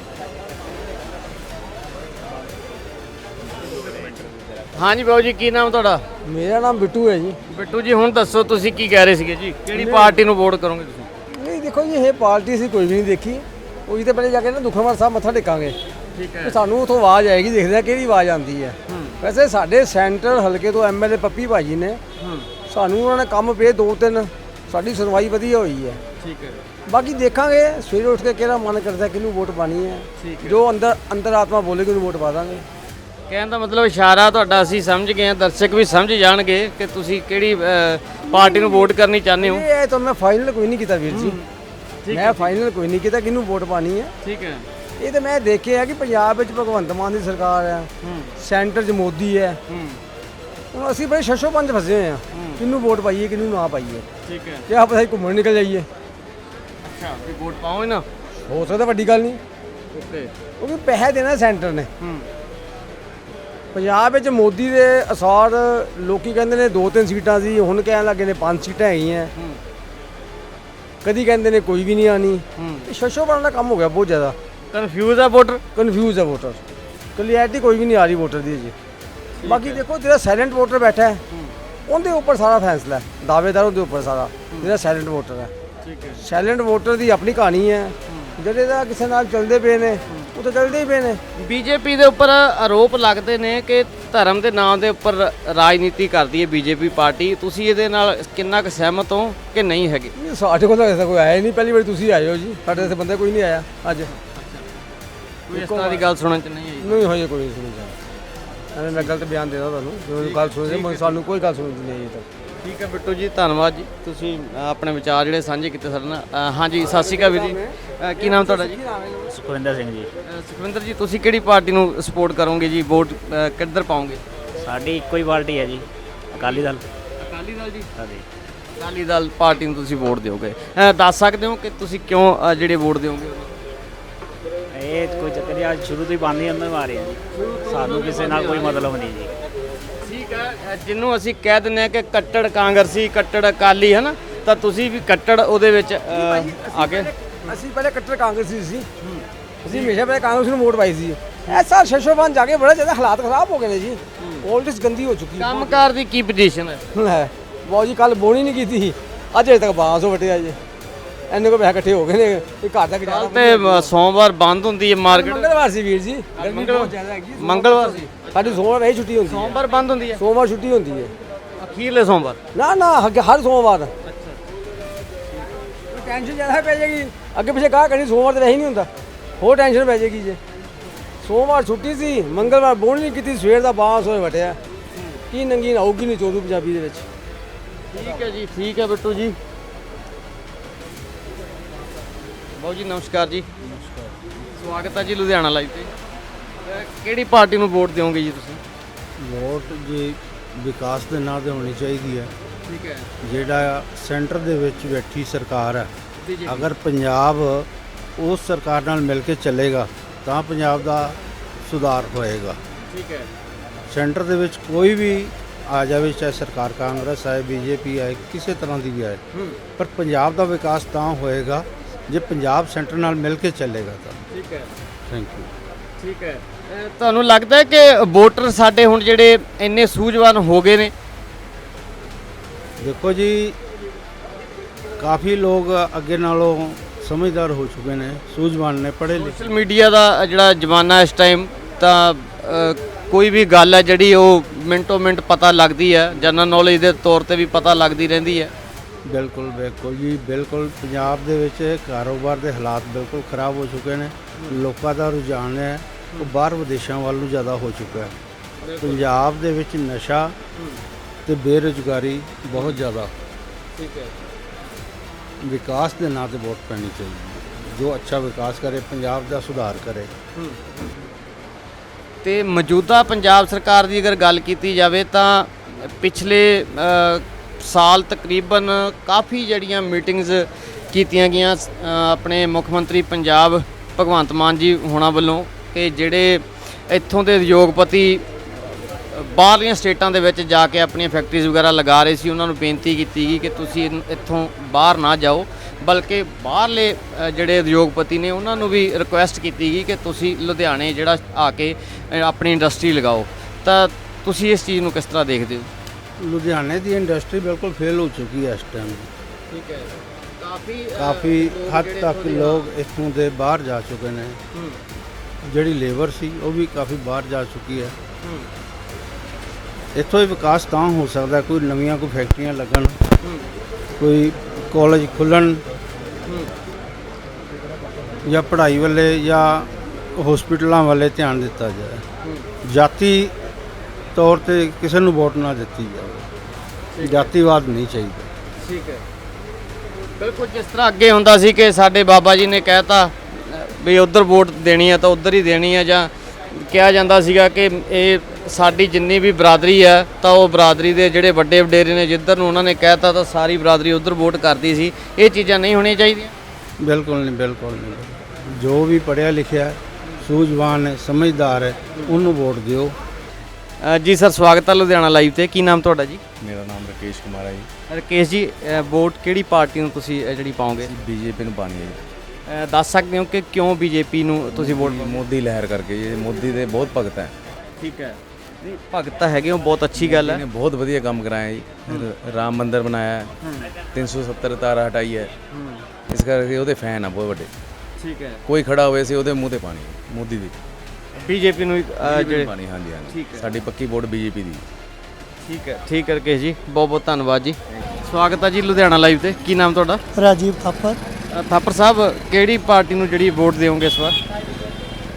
ਹਾਂਜੀ ਬਾਬੂ ਜੀ, ਕੀ ਨਾਮ ਤੁਹਾਡਾ? ਮੇਰਾ ਨਾਮ ਬਿੱਟੂ ਹੈ ਜੀ। ਬਿੱਟੂ ਜੀ, ਹੁਣ ਦੱਸੋ ਤੁਸੀਂ ਕੀ ਕਹਿ ਰਹੇ ਸੀਗੇ ਜੀ? ਕਿਹੜੀ ਪਾਰਟੀ ਨੂੰ ਵੋਟ ਕਰੋਗੇ ਤੁਸੀਂ? ਨਹੀਂ ਦੇਖੋ ਜੀ, ਇਹ ਪਾਰਟੀ ਅਸੀਂ ਕੋਈ ਵੀ ਨਹੀਂ ਦੇਖੀ। ਉਹੀ ਤੇ ਪਹਿਲੇ ਜਾ ਕੇ ਨਾ ਦੁਖਨਵਾਰ ਸਾਹਿਬ ਮੱਥਾ ਟੇਕਾਂਗੇ। ਠੀਕ ਤੇ ਸਾਨੂੰ ਉਥੋਂ ਆਵਾਜ਼ ਆਏਗੀ, ਦੇਖਦੇ ਆ ਕਿਹੜੀ ਆਵਾਜ਼ ਆਉਂਦੀ ਹੈ। ਵੈਸੇ ਸਾਡੇ ਸੈਂਟਰ ਹਲਕੇ ਤੋਂ ਐਮਐਲਏ ਪੱਪੀ ਭਾਜੀ ਨੇ, ਸਾਨੂੰ ਉਹਨਾਂ ਨੇ ਕੰਮ ਪਏ ਦੋ ਤਿੰਨ, ਸਾਡੀ ਸੁਣਵਾਈ ਵਧੀਆ ਹੋਈ ਹੈ। ਠੀਕ ਹੈ। ਬਾਕੀ ਦੇਖਾਂਗੇ ਸਵੇਰੇ ਉੱਠ ਕੇ ਕਿਹੜਾ ਮਨ ਕਰਦਾ ਕਿਹਨੂੰ ਵੋਟ ਪਾਣੀ ਹੈ। ਜੋ ਅੰਦਰ ਅੰਦਰ ਆਤਮਾ ਬੋਲੇਗੀ ਉਹਨੂੰ ਵੋਟ ਪਾ ਦਾਂਗੇ। ਕਹਿਣ ਦਾ ਮਤਲਬ ਇਸ਼ਾਰਾ ਤੁਹਾਡਾ ਅਸੀਂ ਸਮਝ ਗਏ ਹਾਂ, ਦਰਸ਼ਕ ਵੀ ਸਮਝ ਜਾਣਗੇ ਕਿ ਤੁਸੀਂ ਕਿਹੜੀ ਅ, ਪਾਰਟੀ ਨੂੰ ਵੋਟ ਕਰਨੀ ਚਾਹੁੰਦੇ ਹੋ। ਇਹ ਤਾਂ ਮੈਂ ਫਾਈਨਲ ਕੋਈ ਨਹੀਂ ਕੀਤਾ ਵੀਰ ਜੀ, ਮੈਂ ਫਾਈਨਲ ਕੋਈ ਨਹੀਂ ਕੀਤਾ ਕਿਹਨੂੰ ਵੋਟ ਪਾਣੀ ਹੈ। ਠੀਕ ਹੈ। ਇਹ ਤਾਂ ਮੈਂ ਦੇਖਿਆ ਕਿ ਪੰਜਾਬ ਵਿੱਚ ਭਗਵੰਤ ਮਾਨ ਦੀ ਸਰਕਾਰ ਹੈ, ਸੈਂਟਰ 'ਚ ਮੋਦੀ ਹੈ। ਹੁਣ ਅਸੀਂ ਬੜੇ ਛੱਛੋ ਪੰਜ ਫਸੇ ਹੋਏ ਆ, ਕਿਹਨੂੰ ਵੋਟ ਪਾਈਏ ਕਿਹਨੂੰ ਨਾ ਪਾਈਏ। ਠੀਕ ਹੈ। ਕਿ ਆਪ ਅਸੀਂ ਘੁੰਮਣ ਨਿਕਲ ਜਾਈਏ। ਅੱਛਾ, ਵੀ ਵੋਟ ਪਾਓਗੇ ਨਾ? ਹੋ ਸਕਦਾ ਵੱਡੀ ਗੱਲ ਨਹੀਂ, ਓਕੇ। ਕਿਉਂਕਿ ਪੈਸੇ ਦੇਣਾ ਸੈਂਟਰ ਨੇ। ਹੂੰ। ਪੰਜਾਬ ਵਿੱਚ ਮੋਦੀ ਦੇ ਅਸਾਰ ਲੋਕੀ ਕਹਿੰਦੇ ਨੇ ਦੋ ਤਿੰਨ ਸੀਟਾਂ ਸੀ, ਹੁਣ ਕਹਿਣ ਲੱਗੇ ਨੇ ਪੰਜ ਸੀਟਾਂ ਹੈਗੀਆਂ। ਕਦੀ ਕਹਿੰਦੇ ਨੇ ਕੋਈ ਵੀ ਨਹੀਂ ਆਣੀ। ਛੱਛੋ ਪੰਜ ਦਾ ਕੰਮ ਹੋ ਗਿਆ ਬਹੁਤ ਜ਼ਿਆਦਾ। ਕਨਫਿਊਜ਼ ਆ ਵੋਟਰ? ਕਨਫਿਊਜ਼ ਹੈ ਵੋਟਰ, ਕਲੀਅਰਟੀ ਕੋਈ ਵੀ ਨਹੀਂ ਆ ਰਹੀ ਵੋਟਰ ਦੀ ਜੀ। ਬਾਕੀ ਦੇਖੋ ਜਿਹੜਾ ਸਾਇਲੈਂਟ ਵੋਟਰ ਬੈਠਾ ਹੈ ਉਹਦੇ ਉੱਪਰ ਸਾਰਾ ਫੈਸਲਾ ਹੈ, ਦਾਅਵੇਦਾਰ ਉਹਦੇ ਉੱਪਰ ਸਾਰਾ, ਜਿਹੜਾ ਸਾਇਲੈਂਟ ਵੋਟਰ ਹੈ। ਠੀਕ ਹੈ। ਸਾਇਲੈਂਟ ਵੋਟਰ ਦੀ ਆਪਣੀ ਕਹਾਣੀ ਹੈ, ਜਿਹੜੇ ਦਾ ਕਿਸੇ ਨਾਲ ਚੱਲਦੇ ਪਏ ਨੇ ਉਹ ਤਾਂ ਚੱਲਦੇ ਹੀ ਪਏ ਨੇ। ਬੀਜੇਪੀ ਦੇ ਉੱਪਰ ਆਰੋਪ ਲੱਗਦੇ ਨੇ ਕਿ ਧਰਮ ਦੇ ਨਾਮ ਦੇ ਉੱਪਰ ਰਾਜਨੀਤੀ ਕਰਦੀ ਹੈ ਬੀਜੇਪੀ ਪਾਰਟੀ। ਤੁਸੀਂ ਇਹਦੇ ਨਾਲ ਕਿੰਨਾ ਕੁ ਸਹਿਮਤ ਹੋ ਕਿ ਨਹੀਂ ਹੈਗੇ? ਨਹੀਂ, ਸਾਡੇ ਕੋਲ ਤਾਂ ਐਸਾ ਕੋਈ ਆਇਆ ਹੀ ਨਹੀਂ, ਪਹਿਲੀ ਵਾਰੀ ਤੁਸੀਂ ਆਏ ਹੋ ਜੀ, ਸਾਡੇ ਇੱਥੇ ਬੰਦਾ ਕੋਈ ਨਹੀਂ ਆਇਆ ਅੱਜ। ਕੋਈ ਇਸ ਤਰ੍ਹਾਂ ਦੀ ਗੱਲ ਸੁਣਨ ਚ ਨਹੀਂ ਆਈ? ਨਹੀਂ ਹੋਈ ਕੋਈ ਸੁਣੀ ਜਾ, ਐਵੇਂ ਮੈਂ ਗਲਤ ਬਿਆਨ ਦੇਦਾ ਤੁਹਾਨੂੰ, ਜੋ ਗੱਲ ਸੁਣੀ ਸਾਨੂੰ ਕੋਈ ਗੱਲ ਸੁਣੀ ਨਹੀਂ ਆਈ ਤੱਕ। ਠੀਕ ਹੈ ਬਿੱਟੂ ਜੀ, ਧੰਨਵਾਦ ਜੀ, ਤੁਸੀਂ ਅ, ਆਪਣੇ ਵਿਚਾਰ ਜਿਹੜੇ ਸਾਂਝੇ ਕੀਤੇ ਸਾਡੇ ਨਾਲ। ਅ, ਹਾਂਜੀ, ਸਤਿ ਸ਼੍ਰੀ ਅਕਾਲ ਵੀਰ ਜੀ। ਅ, ਕੀ ਨਾਮ ਤੁਹਾਡਾ ਜੀ? ਸੁਖਵਿੰਦਰ ਸਿੰਘ ਜੀ। ਅ, ਸੁਖਵਿੰਦਰ ਜੀ, ਤੁਸੀਂ ਕਿਹੜੀ ਪਾਰਟੀ ਨੂੰ ਸਪੋਰਟ ਕਰੋਗੇ ਜੀ? ਵੋਟ ਅ, ਕਿੱਧਰ ਪਾਓਗੇ? ਸਾਡੀ ਇੱਕੋ ਹੀ ਪਾਰਟੀ ਹੈ ਜੀ, ਅਕਾਲੀ ਦਲ। ਅਕਾਲੀ ਦਲ ਜੀ। ਹਾਂਜੀ। ਅਕਾਲੀ ਦਲ ਪਾਰਟੀ ਨੂੰ ਤੁਸੀਂ ਵੋਟ ਦਿਓਗੇ। ਅ, ਦੱਸ ਸਕਦੇ ਹੋ ਕਿ ਤੁਸੀਂ ਕਿਉਂ ਅ, ਜਿਹੜੇ ਵੋਟ ਦਿਓਗੇ? ਇਹ ਕੋਈ ਚੱਕਰ ਨਹੀਂ, ਅੱਜ ਸ਼ੁਰੂ ਤੋਂ ਹੀ ਬੰਦ ਹੀ ਅੰਦਰ ਮਾਰੇ ਆ ਜੀ, ਸਾਨੂੰ ਕਿਸੇ ਨਾਲ ਕੋਈ ਮਤਲਬ ਨਹੀਂ ਜੀ। ਠੀਕ ਹੈ, ਅ, ਜਿਹਨੂੰ ਅਸੀਂ ਕਹਿ ਦਿੰਦੇ ਆ ਕਿ ਕੱਟੜ ਕਾਂਗਰਸੀ, ਕੱਟੜ ਅਕਾਲੀ, ਹੈ ਨਾ, ਤਾਂ ਤੁਸੀਂ ਵੀ ਕੱਟੜ ਉਹਦੇ ਵਿੱਚ ਅ, ਆ ਕੇ ਅਸੀਂ ਪਹਿਲੇ ਕੱਟੜ ਕਾਂਗਰਸੀ ਸੀ, ਅਸੀਂ ਹਮੇਸ਼ਾ ਪਹਿਲੇ ਕਾਂਗਰਸ ਨੂੰ ਵੋਟ ਪਾਈ ਸੀ। ਐਸਾ ਸ਼ਸ਼ੋਵਾਨ ਜਾ ਕੇ ਬੜਾ ਜ਼ਿਆਦਾ ਹਾਲਾਤ ਖਰਾਬ ਹੋ ਗਏ ਨੇ ਜੀ, ਪੋਲਿਟਿਕਸ ਗੰਦੀ ਹੋ ਚੁੱਕੀ ਹੈ। ਕੰਮਕਾਰ ਦੀ ਕੀ ਪੋਜੀਸ਼ਨ ਹੈ? ਹੈ ਬਹੁਤ ਜੀ, ਕੱਲ ਬੋਣੀ ਨਹੀਂ ਕੀਤੀ ਸੀ, ਅੱਜ ਅਜੇ ਤੱਕ ਬਾਂਸ ਹੋ ਵਟਿਆ ਜੀ, ਇੰਨੇ ਕੋ ਪੈਸੇ ਇਕੱਠੇ ਹੋ ਗਏ ਨੇ, ਇਹ ਘਰ ਦਾ ਗੁਜ਼ਾਰਾ। ਕੱਲ ਤੇ ਅ, ਸੋਮਵਾਰ ਬੰਦ ਹੁੰਦੀ ਹੈ ਮਾਰਕੀਟ। ਮੰਗਲਵਾਰ ਸੀ ਵੀਰ ਜੀ, ਗਰਮੀ ਬਹੁਤ ਜ਼ਿਆਦਾ ਹੈਗੀ। ਮੰਗਲਵਾਰ ਸੀ, ਸਾਡੀ ਸੋਮਵਾਰ ਵੈਸੇ ਛੁੱਟੀ ਹੁੰਦੀ ਹੈ, ਸੋਮਵਾਰ ਬੰਦ ਹੁੰਦੀ ਹੈ, ਸੋਮਵਾਰ ਛੁੱਟੀ ਹੁੰਦੀ ਹੈ। ਅਖੀਰਲੇ ਸੋਮਵਾਰ। ਨਾ ਨਾ ਅੱਗੇ ਹਰ ਸੋਮਵਾਰ। ਟੈਨਸ਼ਨ ਜ਼ਿਆਦਾ ਪੈ ਜਾਏਗੀ, ਅੱਗੇ ਪਿੱਛੇ ਕਾਹ ਕਰਨੀ, ਸੋਮਵਾਰ ਤੇ ਵੈਸੇ ਨਹੀਂ ਹੁੰਦਾ, ਹੋਰ ਟੈਨਸ਼ਨ ਪੈ ਜਾਏਗੀ ਜੇ। ਸੋਮਵਾਰ ਛੁੱਟੀ ਸੀ, ਮੰਗਲਵਾਰ ਬੋਣੀ ਨਹੀਂ ਕੀਤੀ, ਸਵੇਰ ਦਾ ਬਾਂਸ ਹੋਏ ਵਟਿਆ, ਕੀ ਨੰਗੀ ਆਊਗੀ ਨਹੀਂ ਚੋਰੂ ਪੰਜਾਬੀ ਦੇ ਵਿੱਚ। ਠੀਕ ਹੈ ਜੀ, ਠੀਕ ਹੈ ਬਿੱਟੂ ਜੀ। ਬਾਊ ਜੀ ਨਮਸਕਾਰ ਜੀ। ਨਮਸਕਾਰ, ਸਵਾਗਤ ਹੈ ਜੀ ਲੁਧਿਆਣਾ ਲਾਈਵ ਤੇ। ਅਹ ਕਿਹੜੀ ਪਾਰਟੀ ਨੂੰ ਵੋਟ ਦਿਓਗੇ ਜੀ ਤੁਸੀਂ? ਵੋਟ ਜੀ ਵਿਕਾਸ ਦੇ ਨਾਂ ਤੇ ਹੋਣੀ ਚਾਹੀਦੀ ਹੈ। ਠੀਕ ਹੈ। ਜਿਹੜਾ ਸੈਂਟਰ ਦੇ ਵਿੱਚ ਬੈਠੀ ਸਰਕਾਰ ਹੈ, ਬੀ ਜੇ ਪੀ। ਅਗਰ ਪੰਜਾਬ ਉਸ ਸਰਕਾਰ ਨਾਲ ਮਿਲ ਕੇ ਚੱਲੇਗਾ ਤਾਂ ਪੰਜਾਬ ਦਾ ਸੁਧਾਰ ਹੋਏਗਾ। ਠੀਕ ਹੈ। ਸੈਂਟਰ ਦੇ ਵਿੱਚ ਕੋਈ ਵੀ ਆ ਜਾਵੇ, ਚਾਹੇ ਸਰਕਾਰ ਕਾਂਗਰਸ ਆਏ, ਬੀਜੇਪੀ ਆਏ, ਕਿਸੇ ਤਰ੍ਹਾਂ ਦੀ ਵੀ ਆਏ, ਪਰ ਪੰਜਾਬ ਦਾ ਵਿਕਾਸ ਤਾਂ ਹੋਏਗਾ ਜੇ ਪੰਜਾਬ ਸੈਂਟਰ ਨਾਲ ਮਿਲ ਕੇ ਚੱਲੇਗਾ ਤਾਂ। ਠੀਕ ਹੈ। Thank you. ਠੀਕ ਹੈ। ਅਹ ਤੁਹਾਨੂੰ ਲੱਗਦਾ ਹੈ ਕਿ ਵੋਟਰ ਸਾਡੇ ਹੁਣ ਜਿਹੜੇ ਇੰਨੇ ਸੂਝਵਾਨ ਹੋ ਗਏ ਨੇ? ਦੇਖੋ ਜੀ, ਕਾਫੀ ਲੋਕ ਅੱਗੇ ਨਾਲੋਂ ਸਮਝਦਾਰ ਹੋ ਚੁੱਕੇ ਨੇ, ਸੂਝਵਾਨ ਨੇ, ਪੜ੍ਹੇ ਲਿਖੇ। ਸੋਸ਼ਲ ਮੀਡੀਆ ਦਾ ਜਿਹੜਾ ਜ਼ਮਾਨਾ ਇਸ ਟਾਈਮ, ਤਾਂ ਅਹ, ਕੋਈ ਵੀ ਗੱਲ ਹੈ ਜਿਹੜੀ ਉਹ ਮਿੰਟੋ ਮਿੰਟ ਪਤਾ ਲੱਗਦੀ ਹੈ, ਜਨਰਲ ਨੌਲੇਜ ਦੇ ਤੌਰ ਤੇ ਵੀ ਪਤਾ ਲੱਗਦੀ ਰਹਿੰਦੀ ਹੈ। ਬਿਲਕੁਲ ਬਿਲਕੁਲ ਜੀ, ਬਿਲਕੁਲ ਪੰਜਾਬ ਦੇ ਵਿੱਚ ਕਾਰੋਬਾਰ ਦੇ ਹਾਲਾਤ ਬਿਲਕੁਲ ਖਰਾਬ ਹੋ ਚੁੱਕੇ ਨੇ। ਲੋਕਾਂ ਦਾ ਰੁਝਾਨ ਹੈ ਉਹ ਬਾਹਰ ਵਿਦੇਸ਼ਾਂ ਵੱਲ ਨੂੰ ਜ਼ਿਆਦਾ ਹੋ ਚੁੱਕਾ ਹੈ। ਪੰਜਾਬ ਦੇ ਵਿੱਚ ਨਸ਼ਾ ਤੇ ਬੇਰੁਜ਼ਗਾਰੀ ਬਹੁਤ ਜ਼ਿਆਦਾ। ਠੀਕ ਹੈ। ਵਿਕਾਸ ਦੇ ਨਾਂ ਤੇ ਵੋਟ ਪੈਣੀ ਚਾਹੀਦੀ ਹੈ, ਜੋ ਅੱਛਾ ਵਿਕਾਸ ਕਰੇ, ਪੰਜਾਬ ਦਾ ਸੁਧਾਰ ਕਰੇ। ਤੇ ਮੌਜੂਦਾ ਪੰਜਾਬ ਸਰਕਾਰ ਦੀ ਅਗਰ ਗੱਲ ਕੀਤੀ ਜਾਵੇ ਤਾਂ ਪਿਛਲੇ ਅ, ਸਾਲ ਤਕਰੀਬਨ ਕਾਫੀ ਜਿਹੜੀਆਂ ਮੀਟਿੰਗਸ ਕੀਤੀਆਂ ਗਈਆਂ ਅ, ਆਪਣੇ ਮੁੱਖ ਮੰਤਰੀ ਪੰਜਾਬ ਭਗਵੰਤ ਮਾਨ ਜੀ ਹੋਣਾ ਵੱਲੋਂ, ਕਿ ਜਿਹੜੇ ਇੱਥੋਂ ਦੇ ਉਦਯੋਗਪਤੀ ਬਾਹਰਲੀਆਂ ਸਟੇਟਾਂ ਦੇ ਵਿੱਚ ਜਾ ਕੇ ਆਪਣੀਆਂ ਫੈਕਟਰੀਜ਼ ਵਗੈਰਾ ਲਗਾ ਰਹੇ ਸੀ, ਉਹਨਾਂ ਨੂੰ ਬੇਨਤੀ ਕੀਤੀ ਗਈ ਕਿ ਤੁਸੀਂ ਇਨ- ਇੱਥੋਂ ਬਾਹਰ ਨਾ ਜਾਓ, ਬਲਕਿ ਬਾਹਰਲੇ ਅ, ਜਿਹੜੇ ਉਦਯੋਗਪਤੀ ਨੇ ਉਹਨਾਂ ਨੂੰ ਵੀ ਰਿਕੁਐਸਟ ਕੀਤੀ ਗਈ ਕਿ ਤੁਸੀਂ ਲੁਧਿਆਣੇ ਜਿਹੜਾ ਆ ਕੇ ਅ, ਆਪਣੀ ਇੰਡਸਟਰੀ ਲਗਾਓ। ਤਾਂ ਤੁਸੀਂ ਇਸ ਚੀਜ਼ ਨੂੰ ਕਿਸ ਤਰ੍ਹਾਂ ਦੇਖਦੇ ਹੋ? ਲੁਧਿਆਣੇ ਦੀ ਇੰਡਸਟਰੀ ਬਿਲਕੁਲ ਫੇਲ ਹੋ ਚੁੱਕੀ ਹੈ ਇਸ ਟਾਈਮ। ਠੀਕ ਹੈ। ਕਾਫੀ ਕਾਫੀ ਹੱਦ ਤੱਕ ਲੋਕ ਇੱਥੋਂ ਦੇ ਬਾਹਰ ਜਾ ਚੁੱਕੇ ਨੇ। ਜਿਹੜੀ ਲੇਬਰ ਸੀ ਉਹ ਵੀ ਕਾਫੀ ਬਾਹਰ ਜਾ ਚੁੱਕੀ ਹੈ। ਇੱਥੋਂ ਹੀ ਵਿਕਾਸ ਤਾਂ ਹੋ ਸਕਦਾ, ਕੋਈ ਨਵੀਆਂ ਕੋਈ ਫੈਕਟਰੀਆਂ ਲੱਗਣ, ਕੋਈ ਕਾਲਜ ਖੁੱਲ੍ਹਣ, ਜਾਂ ਪੜ੍ਹਾਈ ਵੱਲੇ ਜਾਂ ਹਸਪੀਟਲਾਂ ਵੱਲੇ ਧਿਆਨ ਦਿੱਤਾ ਜਾਏ। ਜਾਤੀ ਤੌਰ ਤੇ ਕਿਸੇ ਨੂੰ ਵੋਟ ਨਾ ਦਿੱਤੀ ਜਾਵੇ, ਜਾਤੀਵਾਦ ਨਹੀਂ ਚਾਹੀਦਾ। ਠੀਕ ਹੈ। ਬਿਲਕੁਲ, ਜਿਸ ਤਰ੍ਹਾਂ ਅੱਗੇ ਹੁੰਦਾ ਸੀ ਕਿ ਸਾਡੇ ਬਾਬਾ ਜੀ ਨੇ ਕਹਿਤਾ ਵੀ ਉਧਰ ਵੋਟ ਦੇਣੀ ਹੈ ਤਾਂ ਉਧਰ ਹੀ ਦੇਣੀ ਹੈ, ਜਾਂ ਕਿਹਾ ਜਾਂਦਾ ਸੀਗਾ ਕਿ ਇਹ ਸਾਡੀ ਜਿੰਨੀ ਵੀ ਬਰਾਦਰੀ ਹੈ ਤਾਂ ਉਹ ਬਰਾਦਰੀ ਦੇ ਜਿਹੜੇ ਵੱਡੇ ਵਡੇਰੇ ਨੇ ਜਿੱਧਰ ਨੂੰ ਉਹਨਾਂ ਨੇ ਕਹਿਤਾ ਤਾਂ ਸਾਰੀ ਬਰਾਦਰੀ ਉਧਰ ਵੋਟ ਕਰਦੀ ਸੀ। ਇਹ ਚੀਜ਼ਾਂ ਨਹੀਂ ਹੋਣੀਆਂ ਚਾਹੀਦੀਆਂ। ਬਿਲਕੁਲ ਨਹੀਂ, ਬਿਲਕੁਲ ਨਹੀਂ। ਜੋ ਵੀ ਪੜ੍ਹਿਆ ਲਿਖਿਆ, ਸੂਝਵਾਨ ਹੈ, ਸਮਝਦਾਰ ਹੈ, ਉਹਨੂੰ ਵੋਟ ਦਿਓ। ਅ, ਜੀ ਸਰ, ਸਵਾਗਤ ਹੈ ਲੁਧਿਆਣਾ ਲਾਈਵ ਤੇ। ਕੀ ਨਾਮ ਤੁਹਾਡਾ ਜੀ? ਮੇਰਾ ਨਾਮ ਰਕੇਸ਼ ਕੁਮਾਰ ਹੈ ਜੀ। ਰਕੇਸ਼ ਜੀ, ਅ, ਵੋਟ ਕਿਹੜੀ ਪਾਰਟੀ ਨੂੰ ਤੁਸੀਂ ਅ, ਜਿਹੜੀ ਪਾਓਗੇ? ਬੀਜੇਪੀ ਨੂੰ ਪਾਣੀ ਹੈ ਜੀ। ਅ, ਦੱਸ ਸਕਦੇ ਹੋ ਕਿ ਕਿਉਂ ਬੀਜੇਪੀ ਨੂੰ ਤੁਸੀਂ ਵੋਟ? ਮੋਦੀ ਲਹਿਰ ਕਰਕੇ ਜੀ, ਮੋਦੀ ਦੇ ਬਹੁਤ ਭਗਤ ਹੈ। ਠੀਕ ਹੈ। ਨਹੀਂ, ਭਗਤ ਤਾਂ ਹੈਗੇ ਹੋ, ਬਹੁਤ ਅੱਛੀ ਗੱਲ ਹੈ। ਇਹਨੇ ਬਹੁਤ ਵਧੀਆ ਕੰਮ ਕਰਾਇਆ ਜੀ। ਰ- ਰਾਮ ਮੰਦਿਰ ਬਣਾਇਆ, ਤਿੰਨ ਸੌ ਸੱਤਰ ਤਾਰਾ ਹਟਾਈ ਹੈ, ਇਸ ਕਰਕੇ ਉਹਦੇ ਫੈਨ ਆ ਬਹੁਤ ਵੱਡੇ। ਠੀਕ ਹੈ। ਕੋਈ ਖੜਾ ਹੋਵੇ ਸੀ ਉਹਦੇ ਮੂੰਹ ਤੇ ਪਾਣੀ, ਮੋਦੀ ਦੀ ਬੀਜੇਪੀ ਨੂੰ ਅ, ਜਿਹੜੇ ਪਾਣੀ। ਹਾਂਜੀ ਠੀਕ ਹਾਂਜੀ, ਹੈ। ਸਾਡੀ ਪੱਕੀ ਵੋਟ ਬੀਜੇਪੀ ਦੀ। ਠੀਕ ਹੈ। ਠੀਕ ਹੈ ਰਕੇਸ਼ ਜੀ, ਬਹੁਤ ਬਹੁਤ ਧੰਨਵਾਦ ਜੀ। ਸਵਾਗਤ ਹੈ ਜੀ ਲੁਧਿਆਣਾ ਲਾਈਵ ਤੇ। ਕੀ ਨਾਮ ਤੁਹਾਡਾ? ਰਾਜੀਵ ਥਾਪਰ। ਅ, ਥਾਪਰ ਸਾਹਿਬ, ਕਿਹੜੀ ਪਾਰਟੀ ਨੂੰ ਜਿਹੜੀ ਵੋਟ ਦਿਓਗੇ ਇਸ ਵਾਰ?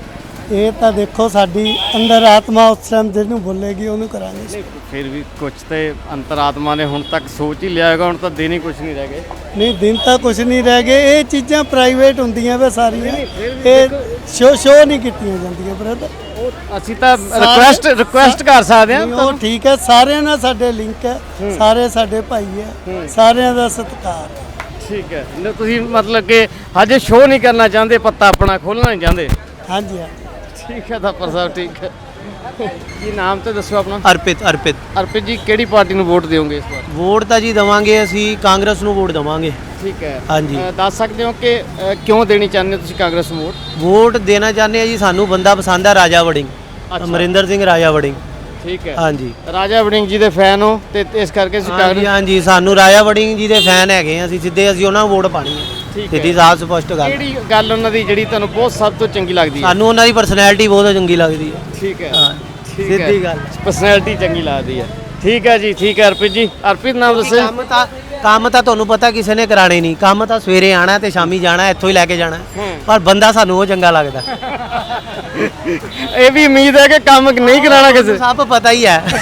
ਇਹ ਤਾਂ ਦੇਖੋ ਸਾਡੀ ਅੰਦਰ ਆਤਮਾ ਉਸ ਟਾਈਮ ਜਿਹਨੂੰ ਬੋਲੇਗੀ ਉਹਨੂੰ ਕਰਾਂਗੇ। ਫਿਰ ਵੀ ਕੁਝ ਤੇ ਅੰਤਰਾਤਮਾ ਨੇ ਹੁਣ ਤੱਕ ਸੋਚ ਹੀ ਲਿਆ ਹੈਗਾ, ਹੁਣ ਤਾਂ ਦਿਨ ਹੀ ਕੁਝ ਨਹੀਂ ਰਹਿ ਗਏ। ਨਹੀਂ ਦਿਨ ਤਾਂ ਕੁਝ ਨਹੀਂ ਰਹਿ ਗਏ, ਇਹ ਚੀਜ਼ਾਂ ਪ੍ਰਾਈਵੇਟ ਹੁੰਦੀਆਂ ਵੇ ਸਾਰੀਆਂ, ਇਹ ਸ਼ੋ ਸ਼ੋ ਨਹੀਂ ਕੀਤੀਆਂ ਜਾਂਦੀਆਂ ਬ੍ਰਦਰ। ਅਸੀਂ ਤਾਂ ਰਿਕੁਐਸਟ ਰਿਕੁਐਸਟ ਕਰ ਸਕਦੇ ਹਾਂ। ਉਹ ਠੀਕ ਹੈ, ਸਾਰਿਆਂ ਨਾਲ ਸਾਡੇ ਲਿੰਕ ਹੈ, ਸਾਰੇ ਸਾਡੇ ਭਾਈ ਹੈ, ਸਾਰਿਆਂ ਦਾ ਸਤਿਕਾਰ ਹੈ। ਠੀਕ ਹੈ, ਨਾ ਤੁਸੀਂ ਮਤਲਬ ਕਿ ਹਜੇ ਸ਼ੋਅ ਨਹੀਂ ਕਰਨਾ ਚਾਹੁੰਦੇ, ਪੱਤਾ ਆਪਣਾ ਖੋਲਣਾ ਨਹੀਂ ਚਾਹੁੰਦੇ। ਹਾਂਜੀ ਹਾਂ ਠੀਕ ਹੈ ਥਾਪਰ ਸਾਹਿਬ, ਠੀਕ ਹੈ। ਕੀ ਨਾਮ ਤੇ ਦੱਸੋ ਆਪਣਾ? ਅਰਪਿਤ ਅਰਪਿਤ ਅਰਪਿਤ ਜੀ, ਕਿਹੜੀ ਪਾਰਟੀ ਨੂੰ ਵੋਟ ਦਿਓਗੇ ਇਸ ਵਾਰ? ਵੋਟ ਤਾਂ ਜੀ ਦੇਵਾਂਗੇ ਅਸੀਂ ਕਾਂਗਰਸ ਨੂੰ ਵੋਟ ਦੇਵਾਂਗੇ। ਠੀਕ ਹੈ, ਹਾਂਜੀ। ਅ, ਦੱਸ ਸਕਦੇ ਹੋ ਕਿ ਅ, ਕਿਉਂ ਦੇਣੀ ਚਾਹੁੰਦੇ ਹੋ ਤੁਸੀਂ ਕਾਂਗਰਸ ਨੂੰ ਵੋਟ? ਵੋਟ ਦੇਣਾ ਚਾਹੁੰਦੇ ਆ ਜੀ, ਸਾਨੂੰ ਬੰਦਾ ਪਸੰਦ ਆ ਰਾਜਾ ਵੜਿੰਗ, ਅਮਰਿੰਦਰ ਸਿੰਘ ਰਾਜਾ ਵੜਿੰਗ। ਠੀਕ ਹੈ, ਹਾਂਜੀ। ਰਾਜਾ ਵੜਿੰਗ ਜੀ ਦੇ ਫੈਨ ਹੋ ਤੇ ਇਸ ਕਰਕੇ ਅਸੀਂ ਹਾਂਜੀ ਕਾਂਗਰਸ। ਹਾਂਜੀ, ਸਾਨੂੰ ਰਾਜਾ ਵੜਿੰਗ ਜੀ ਦੇ ਫੈਨ ਹੈਗੇ ਆ ਅਸੀਂ, ਸਿੱਧੇ ਅਸੀਂ ਉਹਨਾਂ ਨੂੰ ਵੋਟ ਪਾਣੀ ਹੈ। ਠੀਕ ਹੈ। ਸਿੱਧੀ ਸਾਫ਼ ਸਪਸ਼ਟ ਗੱਲ। ਕਿਹੜੀ ਗੱਲ ਉਹਨਾਂ ਦੀ ਜਿਹੜੀ ਤੁਹਾਨੂੰ ਬਹੁਤ ਸਭ ਤੋਂ ਚੰਗੀ ਲੱਗਦੀ ਹੈ? ਸਾਨੂੰ ਉਹਨਾਂ ਦੀ ਪਰਸਨੈਲਿਟੀ ਬਹੁਤ ਚੰਗੀ ਲੱਗਦੀ ਹੈ। ਠੀਕ ਹੈ, ਹਾਂ, ਠੀਕ ਹੈ। ਸਿੱਧੀ ਗੱਲ। ਪਰਸਨੈਲਿਟੀ ਚੰਗੀ ਲੱਗਦੀ ਹੈ। ਠੀਕ ਹੈ ਜੀ, ਠੀਕ ਹੈ ਅਰਪਿਤ ਜੀ। ਅਰਪਿਤ ਨਾਮ ਦੱਸੋ। ਕੰਮ ਤਾਂ ਕੰਮ ਤਾਂ ਤੁਹਾਨੂੰ ਪਤਾ ਕਿਸੇ ਨੇ ਕਰਾਣੇ ਨਹੀਂ, ਕੰਮ ਤਾਂ ਸਵੇਰੇ ਆਣਾ ਤੇ ਸ਼ਾਮੀ ਜਾਣਾ, ਇੱਥੋਂ ਹੀ ਲੈ ਕੇ ਜਾਣਾ, ਪਰ ਬੰਦਾ ਸਾਨੂੰ ਉਹ ਚੰਗਾ ਲੱਗਦਾ। ਇਹ ਵੀ ਉਮੀਦ ਹੈ ਕਿ ਕੰਮ ਨਹੀਂ ਕਰਾਣਾ ਕਿਸੇ। ਸਭ ਪਤਾ ਹੀ ਹੈ।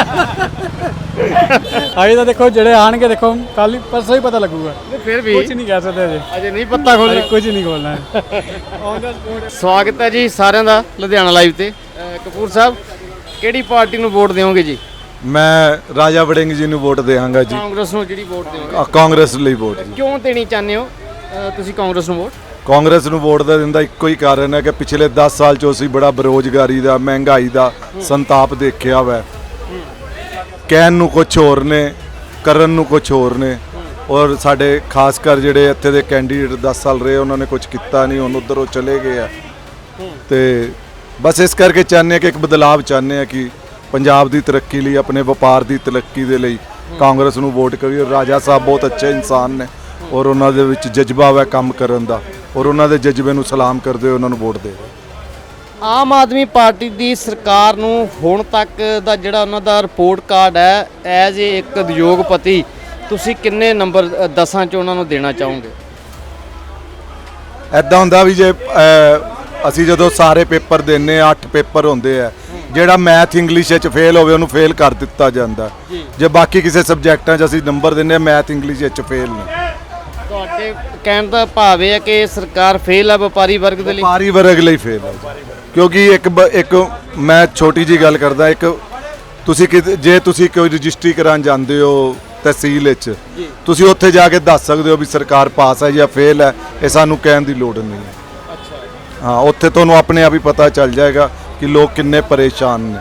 ਅਜੇ ਤਾਂ ਦੇਖੋ ਜਿਹੜੇ ਆਣਗੇ, ਦੇਖੋ ਕੱਲ ਹੀ ਪਰਸੋਂ ਹੀ ਪਤਾ ਲੱਗੂਗਾ। ਫਿਰ ਵੀ ਕੁਝ ਨਹੀਂ ਕਹਿ ਸਕਦੇ ਅਜੇ, ਅਜੇ ਨਹੀਂ ਪੱਤਾ ਖੋਲ੍ਹਣਾ, ਕੁਝ ਨਹੀਂ ਖੋਲਣਾ। ਸਵਾਗਤ ਹੈ ਜੀ ਸਾਰਿਆਂ ਦਾ ਲੁਧਿਆਣਾ ਲਾਈਵ ਤੇ। ਅ, ਕਪੂਰ ਸਾਹਿਬ, ਕਿਹੜੀ ਪਾਰਟੀ ਨੂੰ ਵੋਟ ਦਿਓਗੇ ਜੀ? ਮੈਂ ਰਾਜਾ ਵੜਿੰਗ ਜੀ ਨੂੰ ਵੋਟ ਦੇਵਾਂਗਾ ਜੀ। ਕਾਂਗਰਸ ਨੂੰ ਜਿਹੜੀ ਵੋਟ ਦਿਓਗੇ? ਅ, ਕਾਂਗਰਸ ਲਈ ਵੋਟ ਜੀ। ਕਿਉਂ ਦੇਣੀ ਚਾਹੁੰਦੇ ਹੋ ਅ, ਤੁਸੀਂ ਕਾਂਗਰਸ ਨੂੰ ਵੋਟ? ਕਾਂਗਰਸ ਨੂੰ ਵੋਟ ਦਾ ਦਿੰਦਾ ਇੱਕੋ ਹੀ ਕਾਰਨ ਹੈ ਕਿ ਪਿਛਲੇ ਦਸ ਸਾਲ ਚੋਂ ਅਸੀਂ ਬੜਾ ਬੇਰੁਜ਼ਗਾਰੀ ਦਾ, ਮਹਿੰਗਾਈ ਦਾ ਸੰਤਾਪ ਦੇਖਿਆ ਵੈ। ਕਹਿਣ ਨੂੰ ਕੁਝ ਹੋਰ ਨੇ, ਕਰਨ ਨੂੰ ਕੁਝ ਹੋਰ ਨੇ। ਔਰ ਸਾਡੇ ਖਾਸ ਕਰ ਜਿਹੜੇ ਇੱਥੇ ਦੇ ਕੈਂਡੀਡੇਟ ਦਸ ਸਾਲ ਰਹੇ, ਉਹਨਾਂ ਨੇ ਕੁਝ ਕੀਤਾ ਨਹੀਂ, ਹੁਣ ਉੱਧਰ ਉਹ ਚਲੇ ਗਏ ਆ। ਤੇ ਬਸ ਇਸ ਕਰਕੇ ਚਾਹੁੰਦੇ ਹਾਂ ਕਿ ਇੱਕ ਬਦਲਾਵ ਚਾਹੁੰਦੇ ਹਾਂ ਕਿ ਪੰਜਾਬ ਦੀ ਤਰੱਕੀ ਲਈ, ਆਪਣੇ ਵਪਾਰ ਦੀ ਤਰੱਕੀ ਦੇ ਲਈ ਕਾਂਗਰਸ ਨੂੰ ਵੋਟ ਕਰੀਏ। ਰਾਜਾ ਸਾਹਿਬ ਬਹੁਤ ਅੱਛੇ ਇਨਸਾਨ ਨੇ ਔਰ ਉਹਨਾਂ ਦੇ ਵਿੱਚ ਜਜ਼ਬਾ ਹੈ ਕੰਮ ਕਰਨ ਦਾ, ਔਰ ਉਹਨਾਂ ਦੇ ਜਜ਼ਬੇ ਨੂੰ ਸਲਾਮ ਕਰਦੇ ਹੋਏ ਉਹਨਾਂ ਨੂੰ ਵੋਟ ਦੇ ਦਿਓ। ਆਮ ਆਦਮੀ ਪਾਰਟੀ ਦੀ ਸਰਕਾਰ ਨੂੰ ਹੁਣ ਤੱਕ ਦਾ ਜਿਹੜਾ ਉਹਨਾਂ ਦਾ ਰਿਪੋਰਟ ਕਾਰਡ ਹੈ, ਐਜ਼ ਏ ਇੱਕ ਉਦਯੋਗਪਤੀ ਤੁਸੀਂ ਕਿੰਨੇ ਨੰਬਰ ਅ, ਦਸਾਂ 'ਚ ਉਹਨਾਂ ਨੂੰ ਦੇਣਾ ਚਾਹੋਗੇ? ਐਦਾਂ ਹੁੰਦਾ ਵੀ ਜੇ ਅ, ਅਸੀਂ ਜਦੋਂ ਸਾਰੇ ਪੇਪਰ ਦਿੰਨੇ ਆ, ਅੱਠ ਪੇਪਰ ਹੁੰਦੇ ਆ, ਜਿਹੜਾ ਮੈਥ ਇੰਗਲਿਸ਼ ਵਿੱਚ ਫੇਲ ਹੋਵੇ ਉਹਨੂੰ ਫੇਲ ਕਰ ਦਿੱਤਾ ਜਾਂਦਾ। ਜੇ ਬਾਕੀ ਕਿਸੇ ਸਬਜੈਕਟਾਂ 'ਚ ਅਸੀਂ ਨੰਬਰ ਦਿੰਨੇ ਆ, ਮੈਥ ਇੰਗਲਿਸ਼ ਵਿੱਚ ਫੇਲ ਨੇ। ਤੁਹਾਡੇ ਕਹਿਣ ਦਾ ਭਾਵ ਇਹ ਹੈ ਕਿ ਸਰਕਾਰ ਫੇਲ ਹੈ ਵਪਾਰੀ ਵਰਗ ਦੇ ਲਈ? ਵਪਾਰੀ ਵਰਗ ਲਈ ਫੇਲ ਹੈ, ਕਿਉਂਕਿ ਇੱਕ ਬ- ਇੱਕ ਮੈਂ ਛੋਟੀ ਜੀ ਗੱਲ ਕਰਦਾ, ਇੱਕ ਤੁਸੀਂ ਕਿਤੇ ਜੇ ਤੁਸੀਂ ਕੋਈ ਰਜਿਸਟਰੀ ਕਰਾਉਣ ਜਾਂਦੇ ਹੋ ਤਹਿਸੀਲ ਵਿੱਚ, ਤੁਸੀਂ ਉੱਥੇ ਜਾ ਕੇ ਦੱਸ ਸਕਦੇ ਹੋ ਵੀ ਸਰਕਾਰ ਪਾਸ ਹੈ ਜਾਂ ਫੇਲ ਹੈ, ਇਹ ਸਾਨੂੰ ਕਹਿਣ ਦੀ ਲੋੜ ਨਹੀਂ ਹੈ। ਹਾਂ, ਉੱਥੇ ਤੁਹਾਨੂੰ ਆਪਣੇ ਆਪ ਹੀ ਪਤਾ ਚੱਲ ਜਾਏਗਾ ਕਿ ਲੋਕ ਕਿੰਨੇ ਪਰੇਸ਼ਾਨ ਨੇ।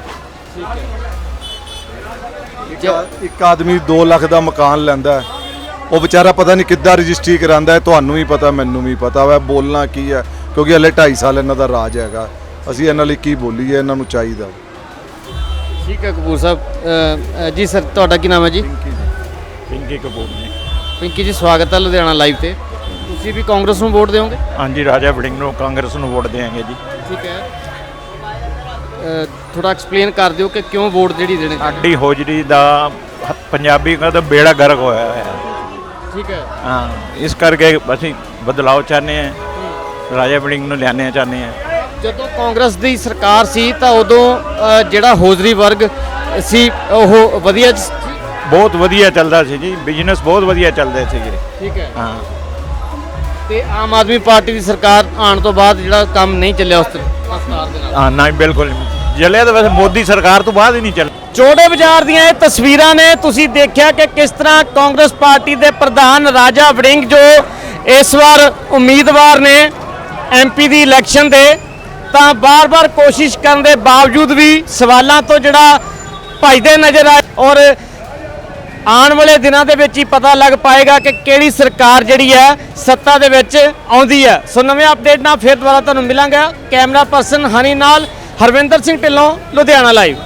ਇੱਕ ਆਦਮੀ ਦੋ ਲੱਖ ਦਾ ਮਕਾਨ ਲੈਂਦਾ, ਉਹ ਵਿਚਾਰਾ ਪਤਾ ਨਹੀਂ ਕਿੱਦਾਂ ਰਜਿਸਟਰੀ ਕਰਾਂਦਾ ਹੈ। ਤੁਹਾਨੂੰ ਵੀ ਪਤਾ, ਮੈਨੂੰ ਵੀ ਪਤਾ ਵਾ ਬੋਲਣਾ ਕੀ ਹੈ, ਕਿਉਂਕਿ ਹਲੇ ਢਾਈ ਸਾਲ ਇਹਨਾਂ ਦਾ ਰਾਜ ਹੈਗਾ। ਅਸੀਂ ਇਹਨਾਂ ਲਈ ਕੀ ਬੋਲੀਏ, ਇਹਨਾਂ ਨੂੰ ਚਾਹੀਦਾ। ਠੀਕ ਹੈ ਕਪੂਰ ਸਾਹਿਬ। ਅ, ਅ, ਜੀ ਸਰ, ਤੁਹਾਡਾ ਕੀ ਨਾਮ ਹੈ ਜੀ? ਪਿੰਕੀ ਕਪੂਰ ਜੀ। ਪਿੰਕੀ ਜੀ, ਸਵਾਗਤ ਹੈ ਲੁਧਿਆਣਾ ਲਾਈਵ ਤੇ। ਤੁਸੀਂ ਵੀ ਕਾਂਗਰਸ ਨੂੰ ਵੋਟ ਦਿਓਗੇ? ਹਾਂਜੀ, ਰਾਜਾ ਵੜਿੰਗ ਨੂੰ ਕਾਂਗਰਸ ਨੂੰ ਵੋਟ ਦੇਵਾਂਗੇ ਜੀ। ਠੀਕ ਹੈ, ਥੋੜਾ ਐਕਸਪਲੇਨ ਕਰ ਦਿਓ ਕਿ ਕਿਉਂ ਵੋਟ ਜਿਹੜੀ ਦੇਣੀ? ਸਾਡੀ ਹੋਜਰੀ ਦਾ ਪੰਜਾਬੀ ਦਾ ਤਾਂ ਬੇੜਾ ਗਰਕ ਹੋਇਆ ਹੋਇਆ। ਠੀਕ ਹੈ, ਹਾਂ, ਇਸ ਕਰਕੇ ਅਸੀਂ ਬਦਲਾਅ ਚਾਹੁੰਦੇ ਹਾਂ, ਰਾਜਾ ਵੜਿੰਗ ਨੂੰ ਲਿਆਉਣਾ ਚਾਹੁੰਦੇ ਹਾਂ। ਜਦੋਂ ਕਾਂਗਰਸ ਦੀ ਸਰਕਾਰ ਸੀ ਤਾਂ ਉਦੋਂ ਅ, ਜਿਹੜਾ ਹੋਜਰੀ ਵਰਗ ਸੀ ਉਹ ਵਧੀਆ ਸੀ? ਬਹੁਤ ਵਧੀਆ ਚੱਲਦਾ ਸੀ ਜੀ, ਬਿਜ਼ਨਸ ਬਹੁਤ ਵਧੀਆ ਚੱਲਦੇ ਸੀਗੇ। ਠੀਕ ਹੈ, ਹਾਂ। ਤੇ ਆਮ ਆਦਮੀ ਪਾਰਟੀ ਦੀ ਸਰਕਾਰ ਆਉਣ ਤੋਂ ਬਾਅਦ ਜਿਹੜਾ ਕੰਮ ਨਹੀਂ ਚੱਲਿਆ ਉਸ ਸਰਕਾਰ ਦੇ ਨਾਲ? ਹਾਂ, ਨਹੀਂ ਬਿਲਕੁਲ ਚੱਲਿਆ ਤਾਂ ਵੈਸੇ ਮੋਦੀ ਸਰਕਾਰ ਤੋਂ ਬਾਅਦ ਹੀ ਨਹੀਂ ਚੱਲਿਆ। ਚੋੜੇ ਬਾਜ਼ਾਰ ਦੀਆਂ ਇਹ ਤਸਵੀਰਾਂ ਨੇ। ਤੁਸੀਂ ਦੇਖਿਆ ਕਿ ਕਿਸ ਤਰ੍ਹਾਂ ਕਾਂਗਰਸ ਪਾਰਟੀ ਦੇ ਪ੍ਰਧਾਨ ਰਾਜਾ ਵੜਿੰਗ ਜੋ ਇਸ ਵਾਰ ਉਮੀਦਵਾਰ ਨੇ ਐਮਪੀ ਦੀ ਇਲੈਕਸ਼ਨ ਦੇ, ਤਾਂ ਬਾਰ-ਬਾਰ ਕੋਸ਼ਿਸ਼ ਕਰਨ ਦੇ ਬਾਵਜੂਦ ਵੀ ਸਵਾਲਾਂ ਤੋਂ ਜਿਹੜਾ ਭੱਜਦੇ ਨਜ਼ਰ ਆਏ। ਔਰ ਆਉਣ ਵਾਲੇ ਦਿਨਾਂ ਦੇ ਵਿੱਚ ਹੀ ਪਤਾ ਲੱਗ ਪਾਏਗਾ ਕਿ ਕਿਹੜੀ ਸਰਕਾਰ ਜਿਹੜੀ ਹੈ ਸੱਤਾ ਦੇ ਵਿੱਚ ਆਉਂਦੀ ਹੈ। ਸੋ ਨਵੇਂ ਅਪਡੇਟ ਨਾਲ ਫਿਰ ਦੁਬਾਰਾ ਤੁਹਾਨੂੰ ਮਿਲਾਂਗਾ। ਕੈਮਰਾ ਪਰਸਨ ਹਨੀ ਨਾਲ ਹਰਵਿੰਦਰ ਸਿੰਘ ਢਿੱਲੋਂ, ਲੁਧਿਆਣਾ ਲਾਈਵ।